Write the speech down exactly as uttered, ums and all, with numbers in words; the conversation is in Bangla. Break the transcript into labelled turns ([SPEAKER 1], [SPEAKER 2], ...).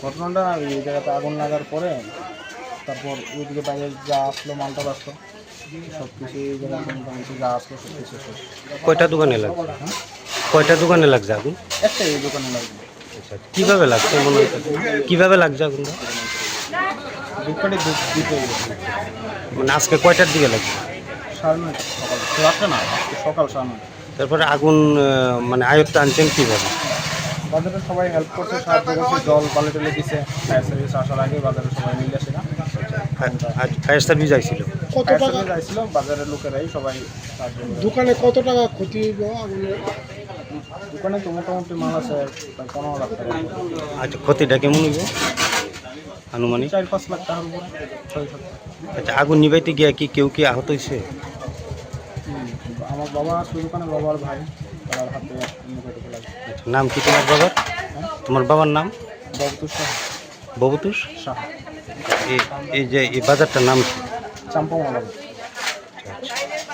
[SPEAKER 1] ঘটনাটা এই জায়গাতে আগুন লাগার পরে তারপর ওইদিকে বাইরে যা আসলো মালটা আসলো সব কিছু এই জায়গায় মোটামুটি যা আসলো সব কিছু শেষ।
[SPEAKER 2] কয়টা দোকানে লাগছে?
[SPEAKER 1] হ্যাঁ
[SPEAKER 2] কয়টা দোকানে লাগছে আগুন?
[SPEAKER 1] একটাই এই দোকানে লাগবে।
[SPEAKER 2] আচ্ছা, কিভাবে লাগছে মনে হচ্ছে? কিভাবে লাগছে আগুনটা?
[SPEAKER 1] দুপুরে দিতে গেছে
[SPEAKER 2] মানে আজকে কয়টার দিকে লাগছে?
[SPEAKER 1] সাড়ে নয়টা সকাল রাত্রে না আজকে সকাল সাড়ে নয়টা।
[SPEAKER 2] তারপরে আগুন আহ, মানে আয়ত্তে আনছেন কীভাবে?
[SPEAKER 1] বাজারে সবাই হেল্প করছে, সাহায্য করছে, জল পালে টেলে দিছে। ফায়ার সার্ভিস আসার আগে বাজারে সবাই মিলে আসে না
[SPEAKER 2] আজ ফায়ার সার্ভিস আইছিল।
[SPEAKER 3] কত
[SPEAKER 1] ফায়ার
[SPEAKER 3] টাকা
[SPEAKER 1] সার্ভিস আসছিল, বাজারের লোকেরাই সবাই সাহায্য করে।
[SPEAKER 3] দোকানে কত টাকা ক্ষতি হইব আগুনের?
[SPEAKER 1] দোকানে তো মোটামুটি মাল আছে প্রায় পনেরো লাখ টাকা,
[SPEAKER 2] আচ্ছা, ক্ষতিটা কেমন হইব আনুমানিক?
[SPEAKER 1] চার পাঁচ লাখ টাকার উপরে, ছয় সাত লাখ।
[SPEAKER 2] আচ্ছা, আগুন নিভাইতে গিয়া কি কেউ কি আহত হয়েছে?
[SPEAKER 1] হুম, আমার বাবা আছে দোকানে, বাবার ভাই তার হাতে মুখে ঢুকে লাগে।
[SPEAKER 2] আচ্ছা, নাম কি তোমার বাবার?
[SPEAKER 1] হ্যাঁ
[SPEAKER 2] তোমার বাবার নাম?
[SPEAKER 1] ববতু শাহ।
[SPEAKER 2] ববতুষ।
[SPEAKER 1] শাহ
[SPEAKER 2] এই এই যে এই বাজারটার নাম কি?
[SPEAKER 1] চাম্পামালা।
[SPEAKER 2] আচ্ছা, আচ্ছা।